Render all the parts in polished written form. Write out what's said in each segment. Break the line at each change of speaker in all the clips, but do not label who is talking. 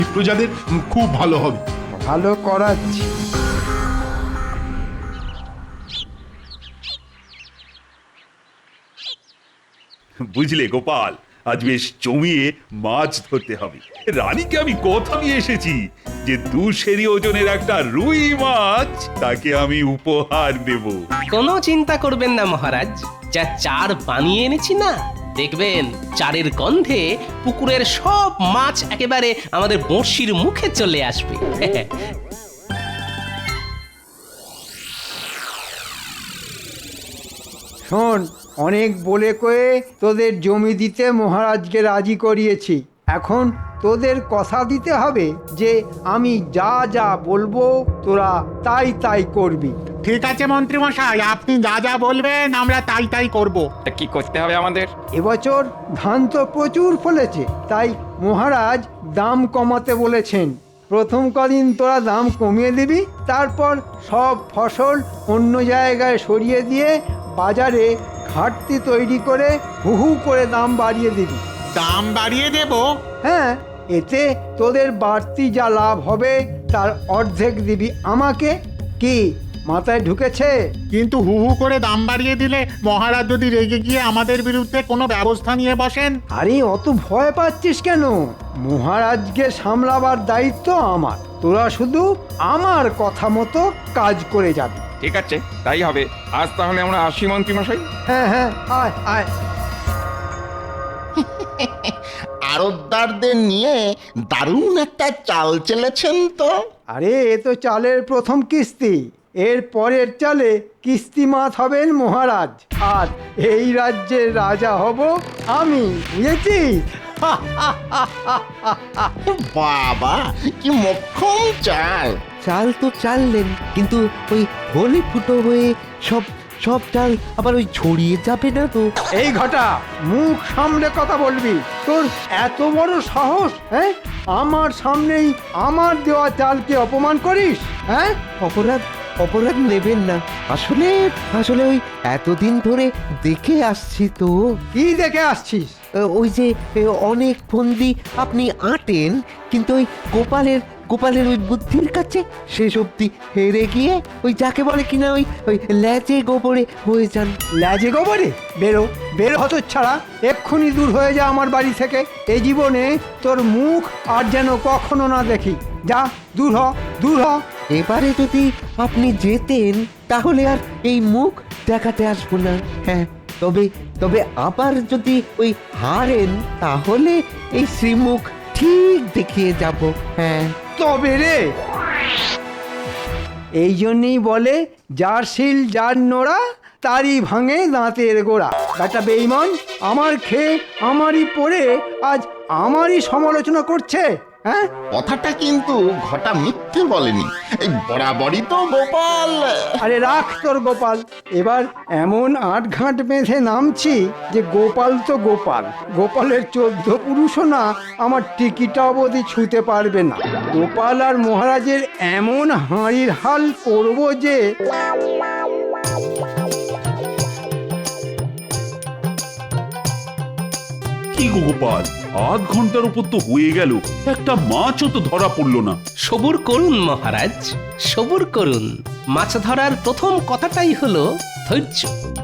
প্রজাদের খুব ভালো হবে।
ভালো করাচ্ছি।
বুঝলে গোপাল, আজ বেশ জমিয়ে মাছ ধরতে হবে। রানীকে আমি কথা নিয়ে এসেছি যে 2 সেরি ওজনের একটা রুই মাছ তাকে আমি উপহার দেব।
কোনো চিন্তা করবেন না মহারাজ, যা চার বানিয়ে এনেছি না, দেখবেন চারের গন্ধে পুকুরের সব মাছ একেবারে আমাদের বড়শির মুখে চলে আসবে।
শোন, অনেক বলে কয়ে তোদের জমি দিতে মহারাজকে রাজি করিয়েছি। এখন তোদের কথা দিতে হবে যে আমি যা যা বলবো তোরা তাই তাই করবি।
ঠিক আছে মন্ত্রী মশাই, আপনি যা যা বলবেন আমরা তাই তাই করব।
তা কি করতে হবে আমাদের?
এবছর ধান তো প্রচুর ফলেছে, তাই মহারাজ দাম কমাতে বলেছেন। প্রথম কদিন তোরা দাম কমিয়ে দিবি, তারপর সব ফসল অন্য জায়গায় সরিয়ে দিয়ে বাজারে ঘাটতি তৈরি করে হু হু করে দাম বাড়িয়ে দিবি।
দাম বাড়িয়ে দেব?
হ্যাঁ, এতে তোদের বাড়তি যা লাভ হবে তার অর্ধেক দিবি আমাকে। কি মাথায় ঢুকেছে?
কিন্তু হু হু করে দাম বাড়িয়ে দিলে মহারাজ যদি রেগে গিয়ে আমাদের বিরুদ্ধে কোনো ব্যবস্থা নিয়ে বসেন?
আরে অত ভয় পাচ্ছিস কেন? মহারাজকে সামলাবার দায়িত্ব আমার। তোরা শুধু আমার কথা মতো কাজ করে যাবি।
ঠিক আছে, তাই হবে। আজ তাহলে আমরা আসি মন্ত্রী মশাই।
হ্যাঁ হ্যাঁ, আয় আয়।
আড়তদারদের নিয়ে দারুণ একটা চাল চেলেছেন তো।
আরে এ তো চালের প্রথম কিস্তি। এর পরের চালে কিস্তিমাত হবেন মহারাজ, আর এই রাজ্যের রাজা হব আমি, বুঝেছিস?
বাবা, কি মক্ষম চাল!
চাল তো চাললেন, কিন্তু ওই হলে ফুটো হয়ে সব সব চাল আবার ওই ছড়িয়ে যাবে না তো?
এই ঘটা, মুখ সামলে কথা বলবি। তোর এত বড় সাহস, হ্যাঁ? আমার সামনেই আমার দেওয়া চালকে অপমান করিস, হ্যাঁ?
অপরাধ অপরাধ নেবেন না। আসলে আসলে ওই এতদিন ধরে দেখে আসছি তো।
কি দেখে আসছিস?
ওই যে অনেক ফন্দি আপনি আঁটেন, কিন্তু ওই গোপালের ওই বুদ্ধির কাছে শেষ অব্দি হেরে গিয়ে ওই যাকে বলে কিনা ওই ওই ল্যাজে গোবরে হয়ে যান।
লাজে গোবরে? বেরো বেরো হতচ্ছাড়া, এক্ষুনি দূর হয়ে যা আমার বাড়ি থেকে। এই জীবনে তোর মুখ আর যেন কখনো না দেখি। যা, দূর হ, দূর হ।
এবারে যদি আপনি যেতেন তাহলে আর এই মুখ দেখাতে আসবো না। হ্যাঁ, তবে তবে আবার যদি ওই হারেন তাহলে এই শ্রীমুখ ঠিক দেখিয়ে যাব। হ্যাঁ,
তবে রে, এই জন্যই বলে যার শিল যার নোড়া তারই ভাঙে দাঁতের গোড়া। একটা বেঈমান আমার খেয়ে আমারই পড়ে আজ আমারই সমালোচনা করছে, হ্যাঁ?
কথাটা কিন্তু ঘটা মিথ্যে বলেনি, এই বরাবরই তো গোপাল।
আরে রাখ তোর গোপাল। এবার এমন আটঘাট বেঁধে নামছি যে গোপাল তো গোপাল, গোপালের 14 পুরুষও না আমার টিকিটা অবধি ছুঁতে পারবে না। গোপাল আর মহারাজের এমন হাঁড়ির হাল করব যে
কি গো গোপাল, আধ ঘন্টার উপর তো হয়ে গেল, একটা মাছও তো ধরা পড়লো না।
সবুর করুন মহারাজ, সবুর করুন। মাছ ধরার প্রথম কথাটাই হলো ধৈর্য।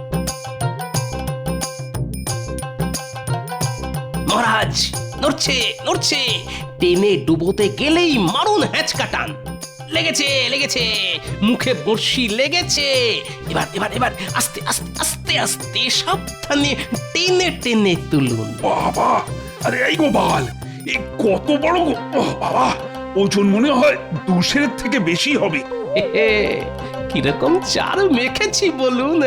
মহারাজ নড়ছে নড়ছে, টেনে ডুবোতে গেলেই মারুন হ্যাঁচকা টান। লেগেছে লেগেছে, মুখে বড়শি লেগেছে। এবার এবার এবার আস্তে আস্তে আস্তে আস্তে সাবধানে টেনে টেনে তুলুন।
বাবা, আরে এই গোপাল, এই কত বড় বাবা, ওজন মনে হয় 2 সেরের থেকে বেশি হবে।
কিরকম চার মেখেছি বলুন।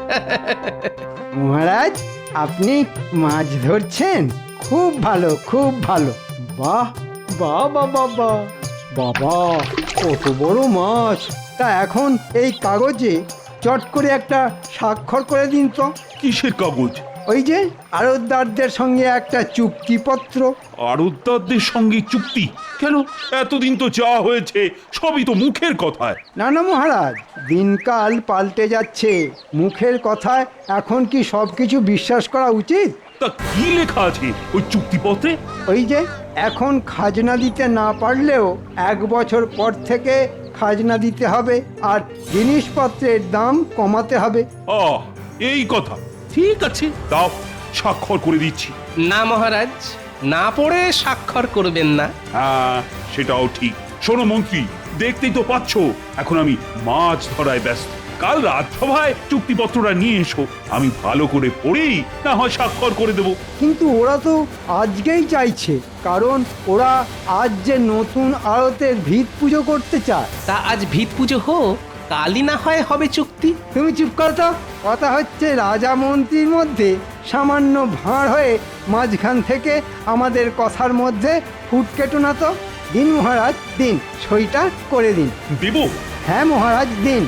মহারাজ আপনি মাছ ধরছেন? খুব ভালো, খুব ভালো। বাহ বাহ বাবা বাহ, বাবা কত বড় মাছ! তা এখন এই কাগজে চট করে একটা স্বাক্ষর করে দিন তো।
কিসের কাগজ?
ওই যে আড়তদারদের সঙ্গে একটা চুক্তিপত্র।
আড়তদারদের সঙ্গে চুক্তি? কেন, এতদিন তো যা হয়েছে সবই তো মুখের কথায়।
না না মহারাজ, দিনকাল পাল্টে যাচ্ছে। মুখের কথায় এখন কি সব কিছু বিশ্বাস করা উচিত?
তা কি লেখা আছে ওই চুক্তিপত্রে?
ওই যে এখন খাজনা দিতে না পারলেও 1 বছর পর থেকে খাজনা দিতে হবে আর জিনিসপত্রের দাম কমাতে হবে।
এই কথা, ঠিক আছে, দাও, স্বাক্ষর করে দিচ্ছি।
না মহারাজ, না পড়ে স্বাক্ষর করবেন না।
হ্যাঁ, সেটাও ঠিক। শোনো মন্ত্রী, দেখতেই তো পাচ্ছ এখন আমি মাছ ধরায় ব্যস্ত। কাল রাজসভায় চুক্তিপত্রটা নিয়ে এসো, আমি ভালো করে পড়েই না হয় স্বাক্ষর করে দেবো।
কিন্তু ওরা তো আজকেই চাইছে, কারণ ওরা আজ যে নতুন আড়তের ভিত পুজো করতে চায়।
তা আজ ভিত পুজো হোক, কালই না হয় হবে চুক্তি।
তুমি চুপ করো তো। কথা হচ্ছে রাজা মন্ত্রীর মধ্যে সামান্য ভাঁড় হয়ে মাঝখান থেকে আমাদের কথার মধ্যে ফুট কেটো না তো। দিন মহারাজ, দিন, সইটা করে দিন।
দেব?
হ্যাঁ মহারাজ, দিন।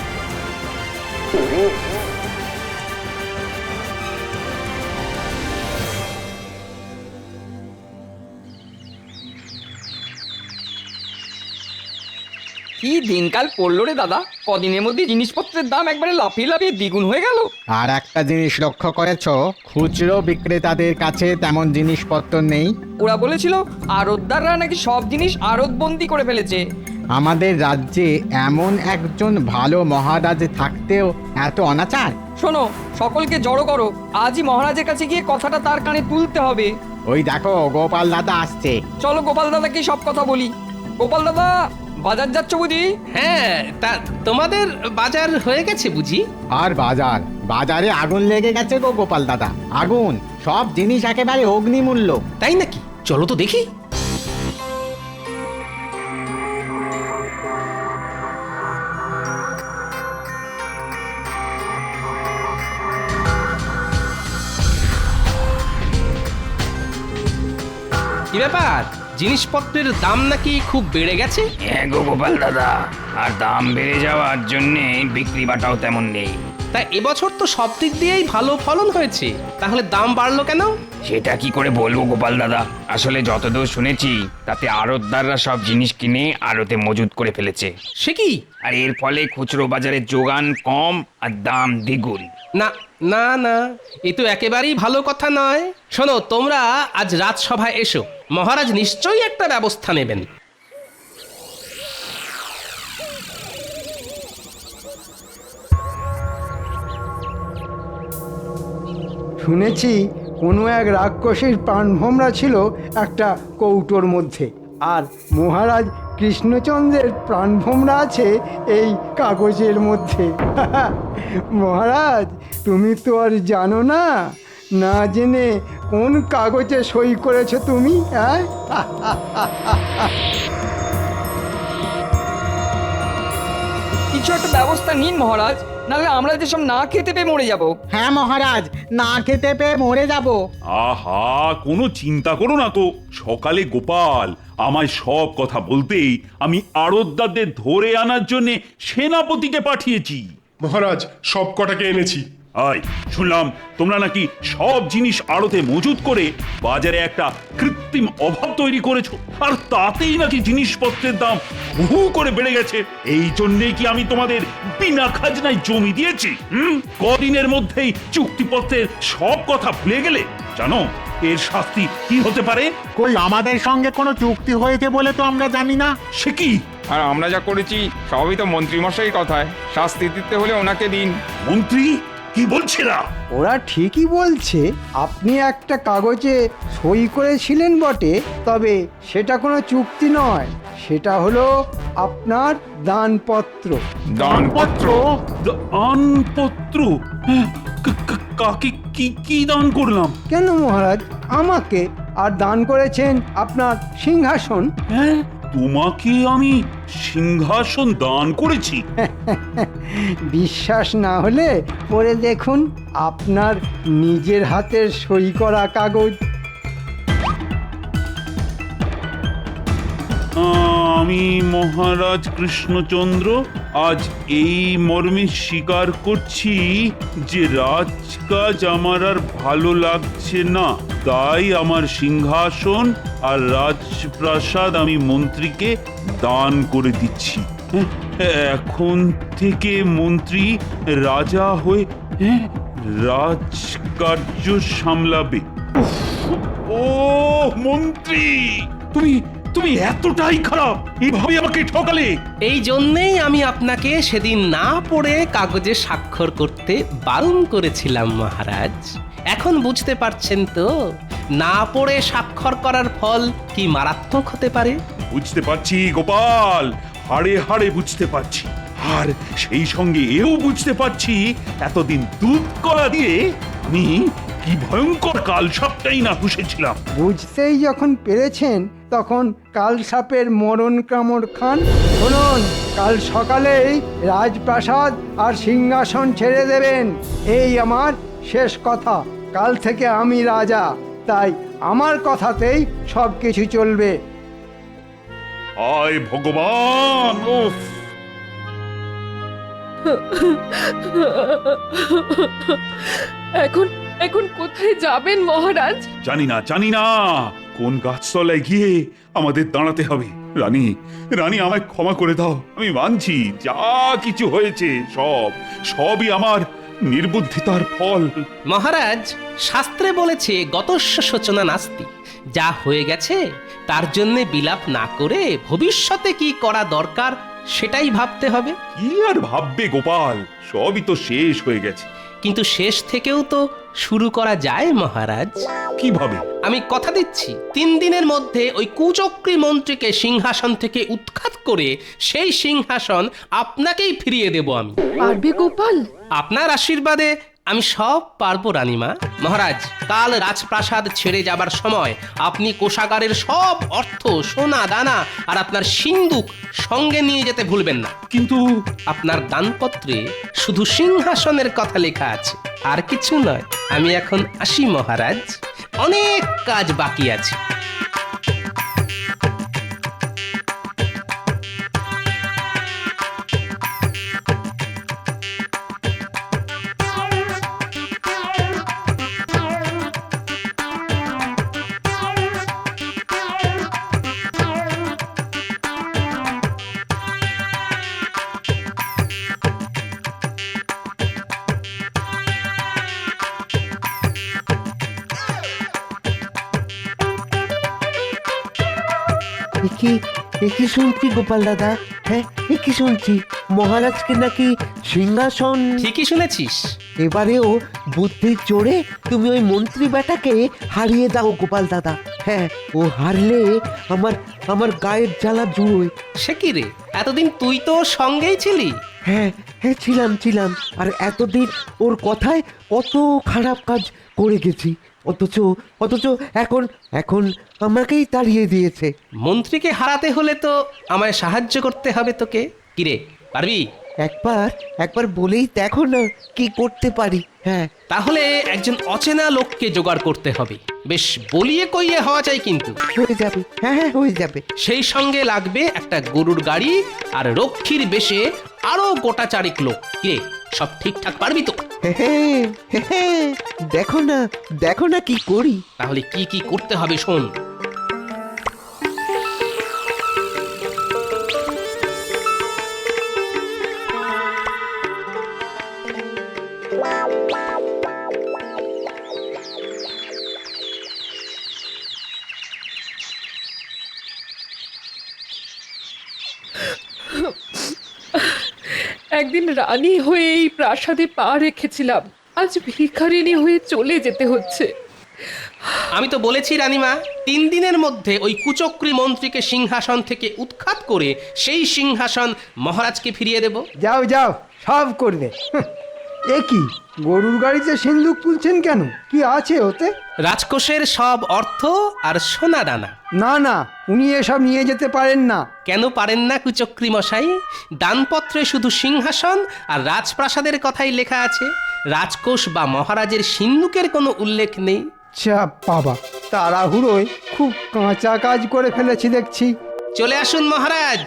কি দিনকাল পড়লো রে দাদা, কদিনের মধ্যে জিনিসপত্রের দাম একবারে লাফিয়ে লাফিয়ে দ্বিগুণ হয়ে গেল।
আর একটা জিনিস লক্ষ্য করেছো, খুচরো বিক্রেতাদের কাছে তেমন জিনিসপত্র নেই।
ওরা বলেছিল আড়তদাররা নাকি সব জিনিস আড়তবন্দি করে ফেলেছে।
আমাদের রাজ্যে এমন একজন ভালো মহারাজ থাকতেও এত অনাচার।
শোনো, সকলকে জড়ো করো, আজই মহারাজের কাছে গিয়ে কথাটা তার কানে তুলতে হবে।
ওই দেখো গোপাল দাদা আসছে।
চলো গোপাল দাদাকে সব কথা বলি। গোপাল দাদা, বাজার যাচ্ছ বুঝি?
হ্যাঁ, তা তোমাদের বাজার হয়ে গেছে বুঝি?
আর বাজারে আগুন লেগে গেছে গো গোপাল দাদা, আগুন। সব জিনিস একেবারে অগ্নিমূল্য।
তাই নাকি? চলো তো দেখি। কি ব্যাপার, জিনিসপত্রের দাম নাকি খুব বেড়ে গেছে?
হ্যাঁ গো গোপাল দাদা, আর দাম বেড়ে যাওয়ার জন্যে বিক্রি বাটাও তেমন নেই।
তা এবছর তো সব দিক দিয়েই ভালো ফলন হয়েছে, তাহলে দাম বাড়লো কেন?
সেটা কি করে বলবো গোপাল দাদা, আসলে যতদূর শুনেছি তাতে আড়তদাররা সব জিনিস কিনে আড়তে মজুত করে ফেলেছে।
সে কি?
আর এর ফলে খুচরো বাজারে যোগান কম আর দাম দ্বিগুণ।
না না না, এ তো একেবারেই ভালো কথা নয়। শোনো, তোমরা আজ রাজসভায় এসো, মহারাজ নিশ্চয়ই একটা ব্যবস্থা নেবেন।
শুনেছি কোনো এক রাক্ষসীর প্রাণভোমরা ছিল একটা কৌটোর মধ্যে, আর মহারাজ কৃষ্ণচন্দ্রের প্রাণভোমরা আছে এই কাগজের মধ্যে। মহারাজ, তুমি তো আর জানো না, না জেনে কোন কাগজে সই করেছো তুমি? হ্যাঁ,
কিছু একটা ব্যবস্থা নিন মহারাজ, নাহলে আমরা যেসব না খেতে পেয়ে মরে যাব।
হ্যাঁ মহারাজ, না খেতে পেয়ে মরে যাব।
আহা, কোনো চিন্তা করো না তো। সকালে গোপাল আমায় সব কথা বলতেই আমি আড়তদারদের ধরে আনার জন্য সেনাপতিকে পাঠিয়েছি।
মহারাজ, সব কটাকে এনেছি।
শুনলাম তোমরা নাকি সব জিনিস আড়তে মজুত করে বাজারে একটা কৃত্রিম অভাব তৈরি করেছো, আর তাতেই নাকি জিনিসপত্রের দাম হু করে বেড়ে গেছে। এই জন্যেই কি আমি তোমাদের বিনা খাজনায় জমি দিয়েছি? কদিনের মধ্যেই চুক্তিপত্রের সব কথা ভুলে গেলে? জানো এর শাস্তি কি হতে পারে?
কই, আমাদের সঙ্গে কোনো চুক্তি হয়েছে বলে তো আমরা জানি না।
সে কি?
আর আমরা যা করেছি সবই তো মন্ত্রীমশাই কথায়, শাস্তি দিতে হলে ওনাকে দিন।
মন্ত্রী কি বলছে না?
ওরা ঠিকই বলছে। আপনি একটা কাগজে সই করেছিলেন বটে, তবে সেটা কোনো চুক্তি নয়, সেটা হলো আপনার দানপত্র।
দানপত্র?
দানপত্র? কাকে কি দান করলাম?
কেন মহারাজ, আমাকে। আর দান করেছেন আপনার সিংহাসন।
হ্যাঁ, তোমাকে আমি সিংহাসন দান করেছি?
বিশ্বাস না হলে পড়ে দেখুন আপনার নিজের হাতের সই করা কাগজ।
আমি মহারাজ কৃষ্ণচন্দ্র আজ এই মর্মে স্বীকার করছি যে রাজকাজ আমার আর ভালো লাগছে না, তাই আমার সিংহাসন আর রাজপ্রাসাদ আমি মন্ত্রীকে দান করে দিচ্ছি। এখন থেকে মন্ত্রী রাজা হয়ে রাজকার্য সামলাবে। উফ, ও মন্ত্রী, তুমি তুমি এতটাই খারাপ, এভাবে আমাকে ঠকালে।
এই জন্যেই আমি আপনাকে সেদিন না পড়ে কাগজে স্বাক্ষর করতে বারণ করেছিলাম মহারাজ। এখন বুঝতে পারছেন তো না পড়ে স্বাক্ষর করার ফল কি মারাত্মক হতে পারে?
বুঝতে পারছি গোপাল, হাড়ে হাড়ে বুঝতে পারছি। আর সেই সঙ্গে এও বুঝতে পারছি এতদিন দুধ কলা দিয়ে আমি কি ভয়ঙ্কর কাল সবটাই না পুষেছিলাম।
বুঝতেই যখন পেরেছেন তখন কাল সাপের মরণ কামড় খান। শুনুন, কাল সকালেই রাজপ্রাসাদ আর সিংহাসন ছেড়ে দেবেন, এই আমার শেষ কথা। কাল থেকে আমি রাজা, তাই আমার কথাতেই সব কিছু চলবে।
আয় ভগবান! উফ!
এখন এখন কোথায় যাবেন মহারাজ?
জানি না কোন গাছতলায় গিয়ে আমাদের দাঁড়াতে হবে। রানী, রানী আমায় ক্ষমা করে দাও। আমি মানছি যা কিছু হয়েছে সবই আমার নির্বুদ্ধিতার ফল।
মহারাজ, শাস্ত্রে বলেছে গতস্য শোচনা নাস্তি। যা হয়ে গেছে তার জন্য বিলাপ না করে ভবিষ্যতে কি করা দরকার সেটাই ভাবতে হবে।
কি আর ভাববে গোপাল, সবই তো শেষ হয়ে গেছে।
কিন্তু শেষ থেকেও তো শুরু করা যায় মহারাজ।
কিভাবে?
আমি কথা দিচ্ছি 3 দিনের মধ্যে ওই কুচক্রী মন্ত্রীকে সিংহাসন থেকে উৎখাত করে সেই সিংহাসন আপনাকেই ফিরিয়ে দেব আমি।
পারবে গোপাল?
আপনার আশীর্বাদে আমি সব পারবো রানীমা। মহারাজ, কাল রাজপ্রাসাদ ছেড়ে যাবার সময় আপনি কোষাগারের সব অর্থ, সোনা দানা আর আপনার সিন্দুক সঙ্গে নিয়ে যেতে ভুলবেন না।
কিন্তু
আপনার দানপত্রে শুধু সিংহাসনের কথা লেখা আছে, আর কিছু নয়। আমি এখন আসি মহারাজ, অনেক কাজ বাকি আছে।
কি শুনছি গোপাল দাদা? হ্যাঁ, কি শুনছি মহারাজকে নাকি সিংহাসন।
ঠিকই শুনেছিস।
এবারেও বুদ্ধির জোরে তুমি ওই মন্ত্রী বেটাকে হারিয়ে দাও গোপাল দাদা। হ্যাঁ, ও হারলে আমার গায়ের জ্বালা জুড়োয়।
সে কি রে, এতদিন তুই তো ওর সঙ্গেই ছিলি।
হ্যাঁ, ছিলাম। আর এতদিন ওর কথায় কত খারাপ কাজ করে গেছি, অথচ এখন আমাকেই তাড়িয়ে দিয়েছে।
মন্ত্রীকে হারাতে হলে তো আমায় সাহায্য করতে হবে তোকে। কিরে, পারবি?
একবার বলেই দেখো না কি করতে পারি। হ্যাঁ,
তাহলে একজন অচেনা লোককে জোগাড় করতে হবে। বেশ বলিয়ে কইয়ে হওয়া চাই কিন্তু।
হয়ে যাবে। হ্যাঁ, হয়ে যাবে।
সেই সঙ্গে লাগবে একটা গরুর গাড়ি আর রক্ষীর বেশে আরো গোটা চারেক লোক। কিরে, সব ঠিকঠাক পারবি তো?
হ্যাঁ, দেখো না কি করি।
তাহলে কি কি করতে হবে শোন।
একদিন রানী হয়ে এই প্রাসাদে পা রেখেছিলাম, আজ ভিখারিনী হয়ে চলে যেতে হচ্ছে।
আমি তো বলেছি রানীমা, 3 দিনের মধ্যে ওই কুচক্রী মন্ত্রীকে সিংহাসন থেকে উৎখাত করে সেই সিংহাসন মহারাজকে ফিরিয়ে দেব।
যাও, সব করবে। এ কি, গরুর গাড়িতে সিন্দুক তুলছেন কেন? কি আছে ওতে?
রাজকোষের সব অর্থ আর সোনা দানা।
না, উনি এসব নিয়ে যেতে পারেন না।
কেন পারেন না কুচক্রী মশাই? দানপত্রে শুধু সিংহাসন আর রাজপ্রাসাদের কথাই লেখা আছে, রাজকোষ বা মহারাজের সিন্দুকের কোনো উল্লেখ নেই।
বাবা, তাড়াহুড়োয় খুব কাঁচা কাজ করে ফেলেছি দেখছি।
চলে আসুন মহারাজ।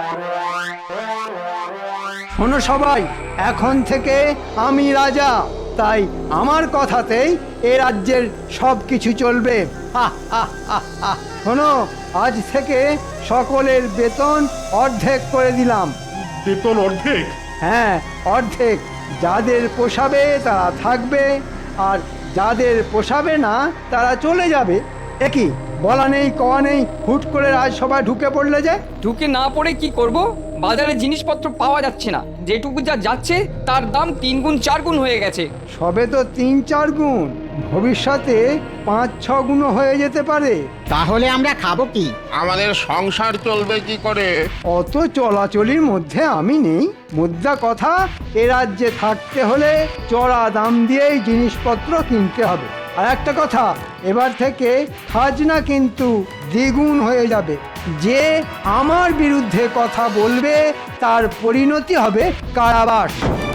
শোনো সবাই, এখন থেকে আমি রাজা, তাই আমার কথাতেই এ রাজ্যের সব কিছু চলবে। হা, হা, হা, হা। শোনো, আজ থেকে সকলের বেতন অর্ধেক করে দিলাম।
বেতন অর্ধেক?
হ্যাঁ, অর্ধেক। যাদের পোষাবে তারা থাকবে, আর যাদের পোষাবে না তারা চলে যাবে। একই বলা নেই কওয়া নেই, হুট করে রাজসভায় ঢুকে পড়লে যে।
ঢুকে না পড়ে কি করব? বাজারে জিনিসপত্র পাওয়া যাচ্ছে না, যেটুকু যা যাচ্ছে তার দাম 3 গুণ 4 গুণ হয়ে গেছে।
সবে তো 3-4 গুণ, ভবিষ্যতে 5-6 গুণ হয়ে যেতে পারে।
তাহলে আমরা খাবো কি?
আমাদের সংসার চলবে কি করে?
অত চলাচলির মধ্যে আমি নেই। মুদ্রা কথা, এ রাজ্যে থাকতে হলে চড়া দাম দিয়েই জিনিসপত্র কিনতে হবে। আর একটা কথা, এবার থেকে খাজনা কিন্তু দ্বিগুণ হয়ে যাবে। যে আমার বিরুদ্ধে কথা বলবে তার পরিণতি হবে কারাবাস।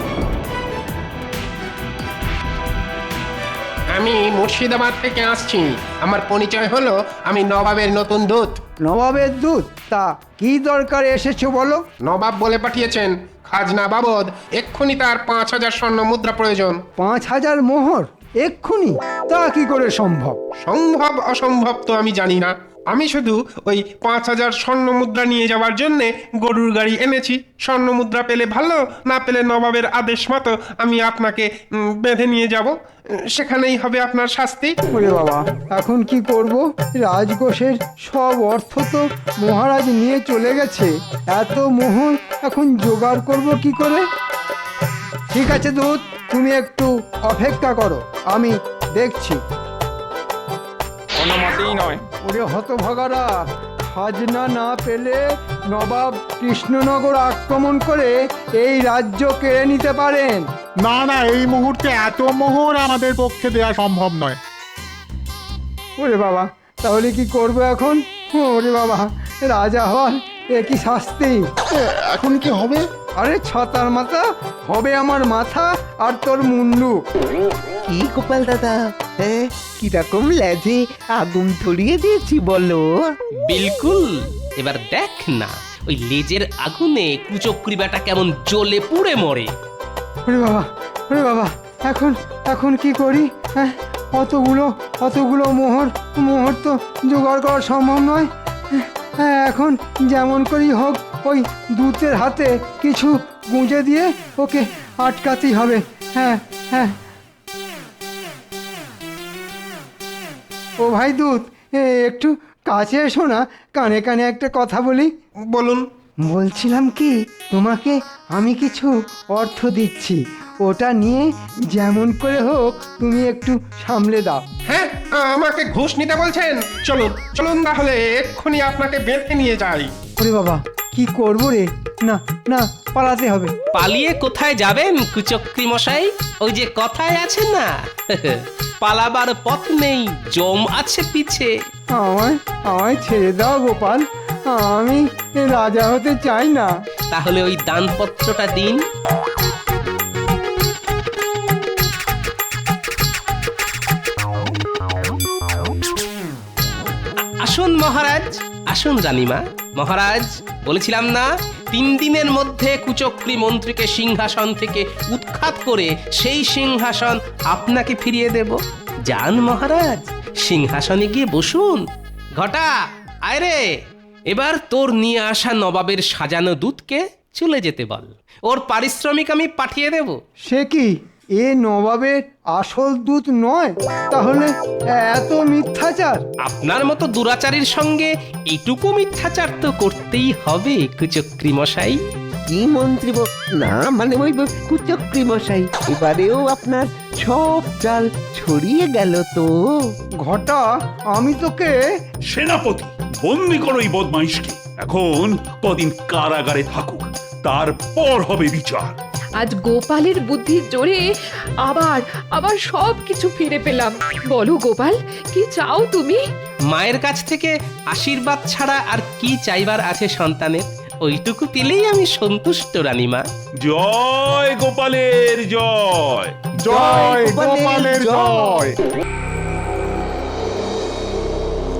আমি মুর্শিদাবাদ থেকে আসছি। আমার পরিচয় হলো, আমি নবাবের নতুন দূত।
নবাবের দূত? তা কি দরকারে এসেছো বলো?
নবাব বলে পাঠিয়েছেন খাজনা বাবদ এক্ষুনি তার 5000 স্বর্ণ মুদ্রা প্রয়োজন।
5000 মোহর এক্ষুনি? তা কি করে সম্ভব?
সম্ভব অসম্ভব তো আমি জানি না, আমি শুধু ওই 5000 স্বর্ণ মুদ্রা নিয়ে যাওয়ার জন্যে গরুর গাড়ি এনেছি। স্বর্ণ মুদ্রা পেলে ভালো, না পেলে নবাবের আদেশ মতো আমি আপনাকে বেঁধে নিয়ে যাব। সেখানেই হবে আপনার শাস্তি।
ওরে বাবা, এখন কি করব? রাজকোষের সব অর্থ তো মহারাজ নিয়ে চলে গেছে। এত মোহর এখন জোগাড় করব কি করে? ঠিক আছে দূত, তুমি একটু অপেক্ষা করো, আমি দেখছি।
কোনো মতেই নয়।
ওরে হতভাগারা, খাজনা না পেলে নবাব কৃষ্ণনগর আক্রমণ করে এই রাজ্য কেড়ে নিতে পারেন।
না না, এই মুহূর্তে এত মোহর আমাদের পক্ষে দেওয়া সম্ভব নয়।
ওরে বাবা, তাহলে কি করবো এখন? ওরে বাবা, রাজা হওয়ার এ কি শাস্তি!
এখন কি হবে?
আরে ছাতার মাথা হবে আমার মাথা, আর তোর মুন্ডু।
কি গোপাল দাদা, হ্যাঁ কিরকম লেজে আগুন ধরিয়ে দিয়েছি বলো?
বিলকুল। এবার দেখ না, ওই লেজের আগুনে কুচক্রি বেটা কেমন জ্বলে পুড়ে মরে।
ওরে বাবা, ওরে বাবা, এখন এখন কি করি? হ্যাঁ, অতগুলো মোহর তো জোগাড় করা সম্ভব নয়। হ্যাঁ, এখন যেমন করেই হোক ওই দূতের হাতে কিছু গুঁজে দিয়ে ওকে আটকাতেই হবে। হ্যাঁ হ্যাঁ। ও ভাই দূত, একটু কাছে এসো না, কানে কানে একটা কথা বলি।
বলুন।
বলছিলাম কি, তোমাকে আমি কিছু অর্থ দিচ্ছি, ওটা নিয়ে যেমন করে হোক তুমি একটু সামলে দাও।
হ্যাঁ, আমাকে ঘুষ নিতে বলছেন? চলুন চলুন, তাহলে এক্ষুনি আপনাকে বেঁধে নিয়ে যাই।
ওরে বাবা, কি করবো রে? না না, পালাতে হবে।
পালিয়ে কোথায় যাবেন কুচক্রি মশাই? ওই যে কথায় আছে না, পালাবার পথ নেই, জম আছে পিছে।
আমায় ছেড়ে দাও গোপাল, আমি রাজা হতে চাই না।
তাহলে ওই দানপত্রটা দিন। আসুন মহারাজ, আসুন রানীমা। মহারাজ, বলেছিলাম না 3 দিনের মধ্যে কুচক্রি মন্ত্রীকে সিংহাসন থেকে উৎখাত করে সেই সিংহাসন আপনাকে ফিরিয়ে দেব। যান মহারাজ, সিংহাসনে গিয়ে বসুন। ঘটা, আয় রে, এবার তোর নিয়ে আসা নবাবের সাজানো দুধকে চলে যেতে বল। ওর পারিশ্রমিক আমি পাঠিয়ে দেব।
সে কি, এ নবাবের আসল দূত নয়? তাহলে এত মিথ্যাচার?
আপনার মতো দুরাচারীর সঙ্গে এটুকু মিথ্যাচার তো করতেই হবে কুচক্রি মশাই।
কি মন্ত্রী না, মানে ওই কুচক্রি মশাই, এবারেও আপনার সব চাল ছড়িয়ে গেল তো।
ঘটা, আমি তোকে।
সেনাপতি, বন্দি করো এই বদমাইশকে। এখন কদিন কারাগারে থাকুক, তারপর হবে বিচার।
আজ গোপালের বুদ্ধির জোরে আবার সব কিছু ফিরে পেলাম। বলো গোপাল, কি চাও তুমি?
মায়ের কাছ থেকে আশীর্বাদ ছাড়া আর কি চাইবার আছে সন্তানের? ওইটুকু পেলেই আমি সন্তুষ্ট রানীমা।
জয় গোপালের জয়।
জয় গোপালের জয়।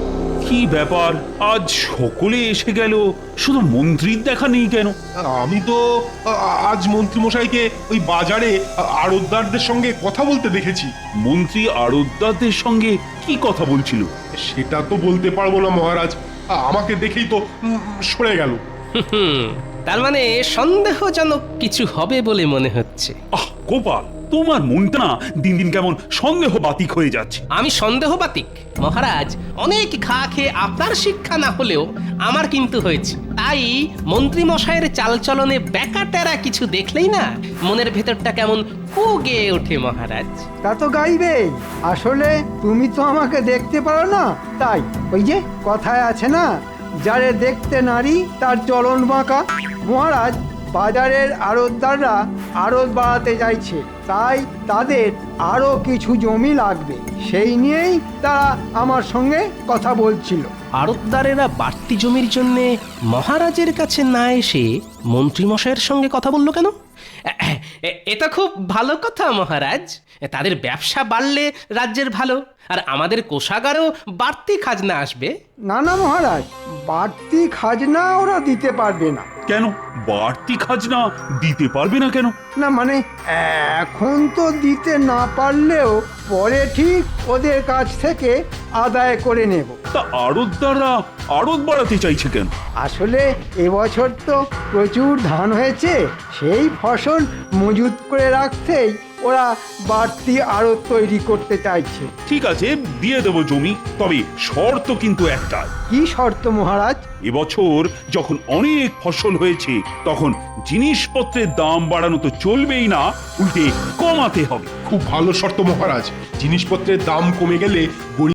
কি ব্যাপার, আজ সকলে এসে গেল, শুধু মন্ত্রীর দেখা নেই কেন?
আমি তো আজ মন্ত্রীমশাইকে ওই বাজারে আড়তদারদের সঙ্গে কথা বলতে দেখেছি।
মন্ত্রী আড়তদারদের সঙ্গে কি কথা বলছিল?
সেটা তো বলতে পারবো না মহারাজ, আমাকে দেখেই তো সরে গেল।
তার মানে সন্দেহজনক কিছু হবে বলে মনে হচ্ছে।
আহ গোপাল, তোমার মনটা না দিন দিন কেমন সন্দেহ বাতিক হয়ে যাচ্ছে।
আমি সন্দেহবাতিক মহারাজ, অনেক ঘা খেয়ে আপনার শিক্ষা না হলেও আমার কিন্তু হয়েছে। তাই মন্ত্রী মশাইয়ের চালচলনে ব্যাকাটেরা কিছু দেখলেই না মনের ভেতরটা কেমন কু গেয়ে ওঠে মহারাজ।
তা তো গাইবেই। আসলে তুমি তো আমাকে দেখতে পারো না, তাই ওই যে কথায় আছে না, যারে দেখতে নারী তার চলন বাঁকা। মহারাজ, বাজারের আড়তদাররা আড়ত বাড়াতে চাইছে, তাই তাদের আরো কিছু জমি লাগবে, সেই নিয়েই তারা আমার সঙ্গে কথা বলছিল।
আড়তদারেরা বাড়তি জমির জন্য মহারাজের কাছে না এসে মন্ত্রী মশাইয়ের সঙ্গে কথা বললো কেন? এটা খুব ভালো কথা মহারাজ। তাদের ব্যবসা বাড়লে রাজ্যের ভালো, আর আমাদের কোষাগারেও বাড়তি খাজনা আসবে।
না না মহারাজ, বাড়তি খাজনা ওরা দিতে পারবে না।
কেন বাড়তি খাজনা দিতে পারবে না কেন?
না মানে এখন তো দিতে না পারলেও পরে ঠিক ওদের কাছ থেকে আদায় করে নেব।
তা আড়তদাররা আড়ত বাড়াতে চাইছে কেন?
আসলে এবছর তো প্রচুর ধান হয়েছে, সেই ফসল মজুত করে রাখতেই ওরা বাড়তি আড়ত তৈরি করতে চাইছে।
ঠিক আছে, দিয়ে দেবো জমি, তবে শর্ত কিন্তু একটা।
কি শর্ত মহারাজ?
এবছর যখন অনেক ফসল হয়েছে তখন জিনিসপত্রের দাম বাড়ানো তো চলবেই না, উল্টে কমাতে হবে।
খুব ভালো শর্ত মহারাজ, জিনিসপত্রের দাম কমে গেলে গরিব